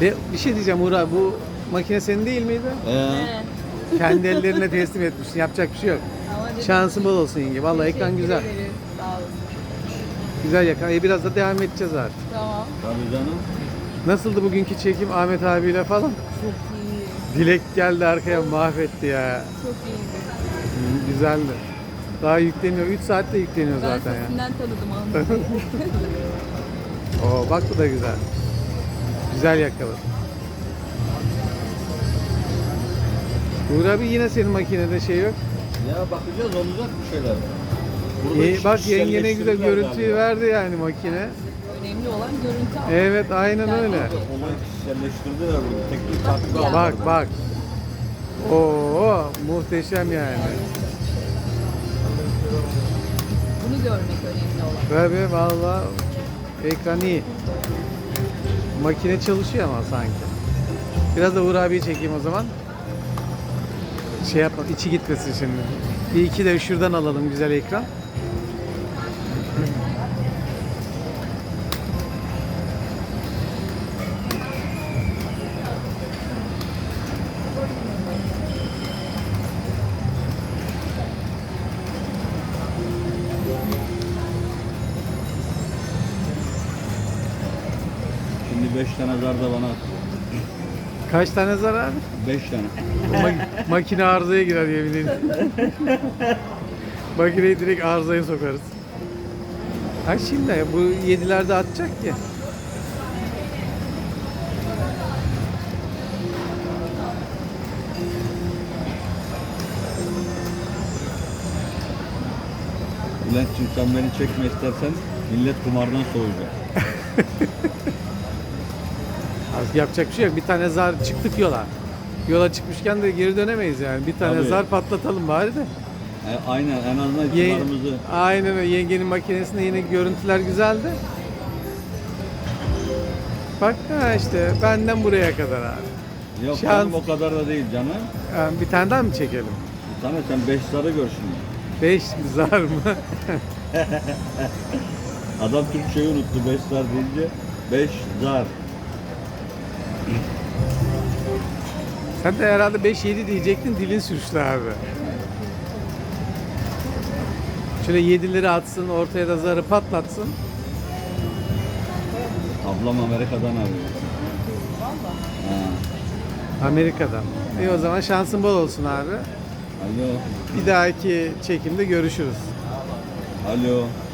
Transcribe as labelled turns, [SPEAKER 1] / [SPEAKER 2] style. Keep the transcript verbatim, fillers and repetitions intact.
[SPEAKER 1] Ve bir şey diyeceğim Uğur abi, bu makine senin değil miydi?
[SPEAKER 2] Ee,
[SPEAKER 3] He.
[SPEAKER 1] Kendi ellerine teslim etmişsin. Yapacak bir şey yok.
[SPEAKER 3] Ama dedim,
[SPEAKER 1] Şansın bol olsun yenge. Vallahi ekran
[SPEAKER 3] teşekkür
[SPEAKER 1] güzel.
[SPEAKER 3] ederiz. Sağ olun.
[SPEAKER 1] Güzel yakın. E, biraz da devam edeceğiz artık.
[SPEAKER 3] Tamam.
[SPEAKER 2] tabii canım.
[SPEAKER 1] Nasıldı bugünkü çekim Ahmet abiyle falan?
[SPEAKER 3] Çok iyi.
[SPEAKER 1] Dilek geldi arkaya mahvetti ya.
[SPEAKER 3] Çok iyiydi.
[SPEAKER 1] Hı, güzeldi. Daha yükleniyor. üç saatte yükleniyor
[SPEAKER 3] Ben
[SPEAKER 1] zaten ya.
[SPEAKER 3] sesinden tanıdım Ahmet'i.
[SPEAKER 1] Oo, bak bu da güzel. Güzel yakaladı. Uğur abi yine senin makinede şey yok.
[SPEAKER 2] Ya bakacağız, olacak bir şeyler. Burada
[SPEAKER 1] İyi,
[SPEAKER 2] iş-
[SPEAKER 1] bak yenge ne güzel
[SPEAKER 2] kişiselleştirdiler
[SPEAKER 1] görüntüyü
[SPEAKER 2] galiba.
[SPEAKER 1] verdi yani makine.
[SPEAKER 3] Önemli olan görüntü almak.
[SPEAKER 1] Evet aynen
[SPEAKER 3] Yani
[SPEAKER 1] öyle.
[SPEAKER 2] Olayı kişiselleştirdiler burada. Teknik takip
[SPEAKER 3] Ya.
[SPEAKER 2] aldı.
[SPEAKER 1] Bak bak. Oo muhteşem yani.
[SPEAKER 3] Bunu görmek önemli olan.
[SPEAKER 1] Tabii valla ekran iyi. Makine çalışıyor ama sanki. Biraz da Uğur abiyi çekeyim o zaman. Şey yapma, içi gitmesin şimdi. Bir iki de şuradan alalım güzel ekran.
[SPEAKER 2] Şimdi beş tane zar da bana at.
[SPEAKER 1] Kaç tane zarar?
[SPEAKER 2] beş tane.
[SPEAKER 1] Ma- makine arızaya girer yemin ederim. Makineyi direkt arızaya sokarız. Ha şimdi bu yedilerde atacak ki.
[SPEAKER 2] Bülent'ciğim sen beni çekme istersen, millet kumardan soğuyacak.
[SPEAKER 1] Az yapacak bir şey yok. Bir tane zar çıktık yola. Yola çıkmışken de geri dönemeyiz yani. Bir tane
[SPEAKER 2] Tabii.
[SPEAKER 1] zar patlatalım bari de.
[SPEAKER 2] E, aynen, en azından
[SPEAKER 1] Ye-
[SPEAKER 2] kumarımızı.
[SPEAKER 1] Aynen öyle. Yengenin makinesinde yine görüntüler güzeldi. Bak ha işte benden buraya kadar abi.
[SPEAKER 2] Yok
[SPEAKER 1] Şans.
[SPEAKER 2] canım, o kadar da değil canım.
[SPEAKER 1] Yani bir tane daha mı çekelim?
[SPEAKER 2] Bir tane sen beş zarı gör şimdi.
[SPEAKER 1] Beş zar mı?
[SPEAKER 2] Adam Türkçeyi unuttu beş zar deyince. Beş zar.
[SPEAKER 1] Sen de herhalde beş yedi diyecektin, dilin sürçtü abi. Şöyle yedileri atsın, ortaya da zarı patlatsın.
[SPEAKER 2] Ablam Amerika'dan arıyor. Ha.
[SPEAKER 1] Amerika'dan. İyi o zaman şansın bol olsun abi.
[SPEAKER 2] Alo.
[SPEAKER 1] Bir dahaki çekimde görüşürüz.
[SPEAKER 2] Alo.